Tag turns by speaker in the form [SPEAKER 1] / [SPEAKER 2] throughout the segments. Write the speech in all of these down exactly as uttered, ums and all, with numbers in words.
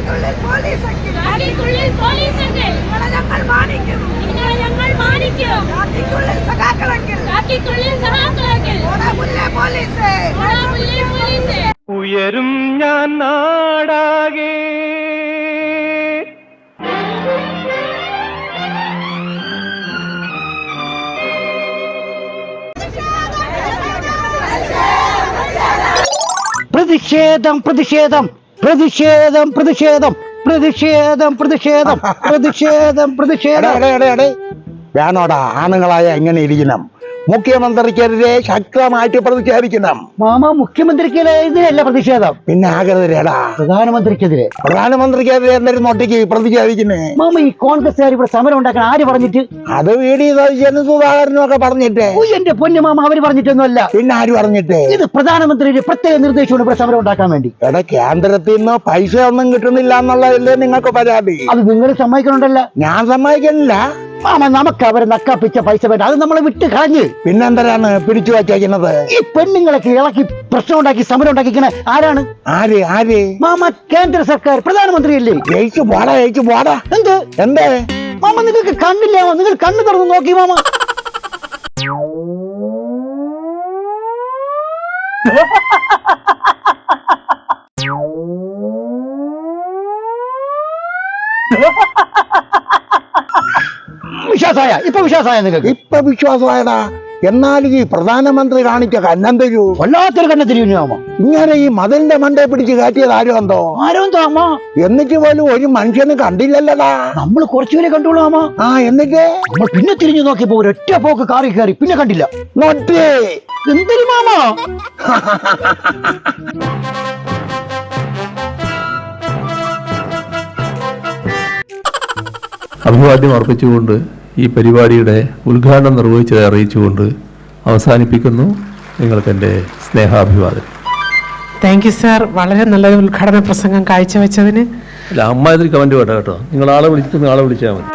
[SPEAKER 1] ഉയരും ഞാൻ നാടാകെ
[SPEAKER 2] പ്രതിഷേധം പ്രതിഷേധം പ്രതിഷേധം പ്രതിഷേധം പ്രതിഷേധം പ്രതിഷേധം പ്രതിഷേധം പ്രതിഷേധം
[SPEAKER 3] വേണോടാ ആണുങ്ങളായ എങ്ങനെ ഇരിക്കണം? മുഖ്യമന്ത്രിക്കെതിരെ ശക്തമായിട്ട് പ്രതിഷേധിക്കണം.
[SPEAKER 2] മാമ മുഖ്യമന്ത്രിക്കെതിരെയല്ല പ്രതിഷേധം,
[SPEAKER 3] പിന്നെ ആകെതിരെടാ
[SPEAKER 2] പ്രധാനമന്ത്രിക്കെതിരെ.
[SPEAKER 3] പ്രധാനമന്ത്രിക്കെതിരെ എന്തായാലും ഒറ്റയ്ക്ക് പ്രതിഷേധിക്കുന്നേ?
[SPEAKER 2] മാമ ഈ കോൺഗ്രസ്സുകാർ ഇവിടെ സമരം ഉണ്ടാക്കാൻ ആര് പറഞ്ഞിട്ട്?
[SPEAKER 3] അത് വി ഡി സതീശനും സുധാകരനും ഒക്കെ പറഞ്ഞിട്ട്.
[SPEAKER 2] എന്റെ പൊന്നു മാമ, അവര് പറഞ്ഞിട്ടൊന്നുമല്ല.
[SPEAKER 3] പിന്നെ ആര് പറഞ്ഞിട്ട്?
[SPEAKER 2] ഇത് പ്രധാനമന്ത്രിയുടെ പ്രത്യേക നിർദ്ദേശമാണ് ഇവിടെ സമരം ഉണ്ടാക്കാൻ വേണ്ടി.
[SPEAKER 3] എടാ, കേന്ദ്രത്തിൽ നിന്ന് പൈസ ഒന്നും കിട്ടുന്നില്ല എന്നുള്ളതല്ലേ നിങ്ങൾക്ക് പരാതി?
[SPEAKER 2] അത് നിങ്ങൾ സമ്മതിക്കണുണ്ടല്ലോ.
[SPEAKER 3] ഞാൻ സമ്മതിക്കുന്നില്ല
[SPEAKER 2] മാമ. നമുക്ക് അവരെ നക്കാപ്പിച്ച പൈസ വേണ്ട, അത് നമ്മളെ വിട്ട് കളഞ്ഞ്.
[SPEAKER 3] പിന്നെന്തരാണ് പിടിച്ചു വച്ചേക്കുന്നത്?
[SPEAKER 2] ഈ പെണ്ണുങ്ങളൊക്കെ ഇളക്കി പ്രശ്നം ഉണ്ടാക്കി സമരം ഉണ്ടാക്കിക്കണ ആരാണ്?
[SPEAKER 3] ആര് ആര്
[SPEAKER 2] മാമ? കേന്ദ്ര സർക്കാർ, പ്രധാനമന്ത്രിയല്ലേ?
[SPEAKER 3] ജയിച്ചു പോടാ ജയിച്ചു പോടാ.
[SPEAKER 2] എന്ത്
[SPEAKER 3] എന്തേ
[SPEAKER 2] മാമ? നിങ്ങൾക്ക് കണ്ണില്ല? നിങ്ങൾ കണ്ണ് തുറന്ന് നോക്കി മാമ. വിശ്വാസമായ ഇപ്പൊ വിശ്വാസമായ നിങ്ങൾക്ക്?
[SPEAKER 3] ഇപ്പൊ വിശ്വാസമായടാ. എന്നാലും ഈ പ്രധാനമന്ത്രി കാണിച്ച കന്നന്തരൂ
[SPEAKER 2] വല്ലാത്തൊരു കണ്ണത്തിരിക്കുന്നു മാമ.
[SPEAKER 3] ഇങ്ങനെ ഈ മതിലിന്റെ മണ്ടേ പിടിച്ച് കയറ്റിയത് ആരും എന്തോ
[SPEAKER 2] ആരോ അമ്മ.
[SPEAKER 3] എന്നിട്ട് പോലും ഒരു മനുഷ്യന് കണ്ടില്ലല്ലടാ.
[SPEAKER 2] നമ്മൾ കുറച്ചുപേരെ കണ്ടോളൂ അമ്മ.
[SPEAKER 3] ആ എന്നിട്ട്
[SPEAKER 2] നമ്മൾ പിന്നെ തിരിഞ്ഞു നോക്കിയപ്പോ ഒരൊറ്റ പോക്ക് കാറി കയറി, പിന്നെ കണ്ടില്ല.
[SPEAKER 3] നോട്ടേ
[SPEAKER 2] എന്തൊരു മാമ.
[SPEAKER 4] അഭിവാദ്യം അർപ്പിച്ചുകൊണ്ട് ഈ പരിപാടിയുടെ ഉദ്ഘാടനം നിർവഹിച്ചത് അറിയിച്ചുകൊണ്ട് അവസാനിപ്പിക്കുന്നു. നിങ്ങൾക്ക് എൻ്റെ സ്നേഹാഭിവാദം.
[SPEAKER 5] താങ്ക് യു സാർ, വളരെ നല്ലൊരു ഉദ്ഘാടന പ്രസംഗം കാഴ്ചവെച്ചതിന്.
[SPEAKER 4] അല്ല, അമ്മാതിരി കമൻറ്റ് വേണ്ട കേട്ടോ. നിങ്ങൾ ആളെ വിളിച്ചിട്ട് ആളെ വിളിച്ചാൽ മതി.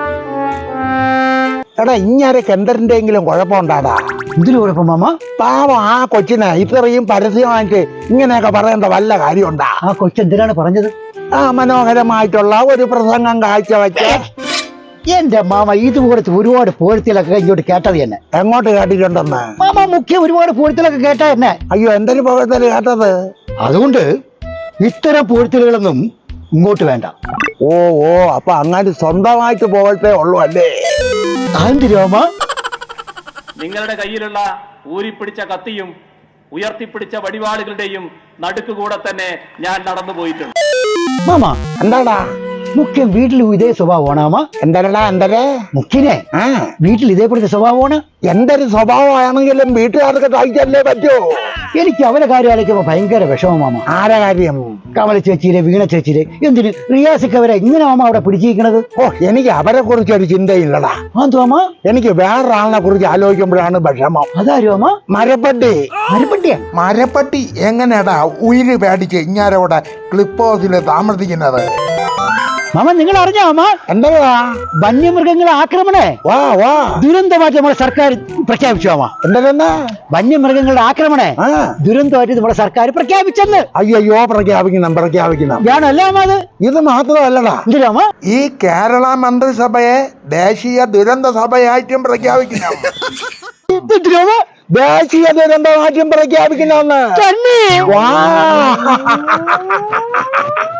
[SPEAKER 3] എടാ, ഇങ്ങനെ കെന്തറിന്റെങ്കിലും കുഴപ്പമുണ്ടാടാ?
[SPEAKER 2] എന്തിനു കുഴപ്പം മാമ?
[SPEAKER 3] പാവം ആ കൊച്ചിനെ ഇത്രയും പരസ്യമായിട്ട് ഇങ്ങനെയൊക്കെ പറയേണ്ട വല്ല കാര്യമുണ്ടാ?
[SPEAKER 2] ആ കൊച്ചെന്തിനാണ് പറഞ്ഞത്?
[SPEAKER 3] ആ മനോഹരമായിട്ടുള്ള ഒരു പ്രസംഗം കാഴ്ചവെച്ച്.
[SPEAKER 2] എന്റെ മാമ, ഇതുപോലത്തെ ഒരുപാട് പൂഴ്ത്തിലൊക്കെ ഇങ്ങോട്ട് കേട്ടത് തന്നെ.
[SPEAKER 3] എങ്ങോട്ട് കേട്ടിട്ടുണ്ടെന്ന്?
[SPEAKER 2] മാമ മുഖ്യ ഒരുപാട് പൂഴ്ത്തിലൊക്കെ കേട്ടാ തന്നെ.
[SPEAKER 3] അയ്യോ, എന്തൊരു പുകഴ്ത്തല് കേട്ടത്.
[SPEAKER 2] അതുകൊണ്ട് ഇത്തരം പൂഴ്ത്തലുകളൊന്നും ഇങ്ങോട്ട് വേണ്ട.
[SPEAKER 3] ഓ ഓ അപ്പൊ അങ്ങനെ സ്വന്തമായിട്ട് പോകട്ടേ ഉള്ളൂ അല്ലേ?
[SPEAKER 2] ആന്തിരാമ,
[SPEAKER 6] നിങ്ങളുടെ കയ്യിലുള്ള ഊരിപ്പിടിച്ച കത്തിയും ഉയർത്തിപ്പിടിച്ച വടിവാളുകളുടെയും നടുക്കുകൂടെ തന്നെ ഞാൻ നടന്നു പോയിട്ടുണ്ട്.
[SPEAKER 2] മാമ
[SPEAKER 3] എന്താടാ?
[SPEAKER 2] മുഖ്യൻ വീട്ടിലും ഇതേ സ്വഭാവമാണാമ?
[SPEAKER 3] എന്തരടാ എന്തരേ?
[SPEAKER 2] മുഖ്യനെ
[SPEAKER 3] ആ
[SPEAKER 2] വീട്ടിൽ ഇതേപോലത്തെ സ്വഭാവമാണ്.
[SPEAKER 3] എന്തൊരു സ്വഭാവമാണെങ്കിലും വീട്ടുകാർക്ക് സഹിച്ചല്ലേ പറ്റൂ.
[SPEAKER 2] എനിക്ക് അവരെ കാര്യം ആലോചിക്കുമ്പോ ഭയങ്കര വിഷമമാമ.
[SPEAKER 3] ആരെ കാര്യം?
[SPEAKER 2] കമല ചേച്ചിയിലെ, വീണ ചേച്ചിയിലെ. എന്തിന് റിയാസിക്ക് അവരെ ഇങ്ങനെ മാമ അവിടെ പിടിച്ചിരിക്കണത്?
[SPEAKER 3] ഓ, എനിക്ക് അവരെ കുറിച്ച് ഒരു ചിന്തയില്ലടാ.
[SPEAKER 2] ആന്തോമ,
[SPEAKER 3] എനിക്ക് വേറൊരാളിനെ കുറിച്ച് ആലോചിക്കുമ്പോഴാണ് വിഷമം.
[SPEAKER 2] അതാരും അമ്മ?
[SPEAKER 3] മരപ്പട്ടി.
[SPEAKER 2] മരപ്പട്ടിയാ?
[SPEAKER 3] മരപ്പട്ടി എങ്ങനെയാടാ ഉയിര് പേടിച്ച് ഇങ്ങാരോടെ ക്ലിപ്പ് ഹൗസിൽ താമസിക്കുന്നത്?
[SPEAKER 2] മാമ, നിങ്ങൾ അറിഞ്ഞോ അമ്മ?
[SPEAKER 3] എന്താ
[SPEAKER 2] വന്യമൃഗങ്ങളെ ആക്രമണേ
[SPEAKER 3] വാ വാ
[SPEAKER 2] ദുരന്തമായിട്ട് നമ്മുടെ സർക്കാർ പ്രഖ്യാപിച്ചു അമ്മ.
[SPEAKER 3] എന്താ
[SPEAKER 2] വന്യമൃഗങ്ങളുടെ ആക്രമണേ
[SPEAKER 3] ആ
[SPEAKER 2] ദുരന്തമായിട്ട് നമ്മുടെ സർക്കാർ പ്രഖ്യാപിച്ചെന്ന്.
[SPEAKER 3] അയ്യോ, പ്രഖ്യാപിക്കണം പ്രഖ്യാപിക്കണം.
[SPEAKER 2] ഞാനല്ലേ അമ്മ അത്?
[SPEAKER 3] ഇത് മാത്രമല്ലടാ,
[SPEAKER 2] എന്തിനാ
[SPEAKER 3] ഈ കേരള മന്ത്രിസഭയെ ദേശീയ ദുരന്ത സഭയായിട്ടും പ്രഖ്യാപിക്കണം. ദേശീയ ദുരന്തമായിട്ടും പ്രഖ്യാപിക്കണമെന്ന്.
[SPEAKER 2] തന്നെ?
[SPEAKER 3] വാ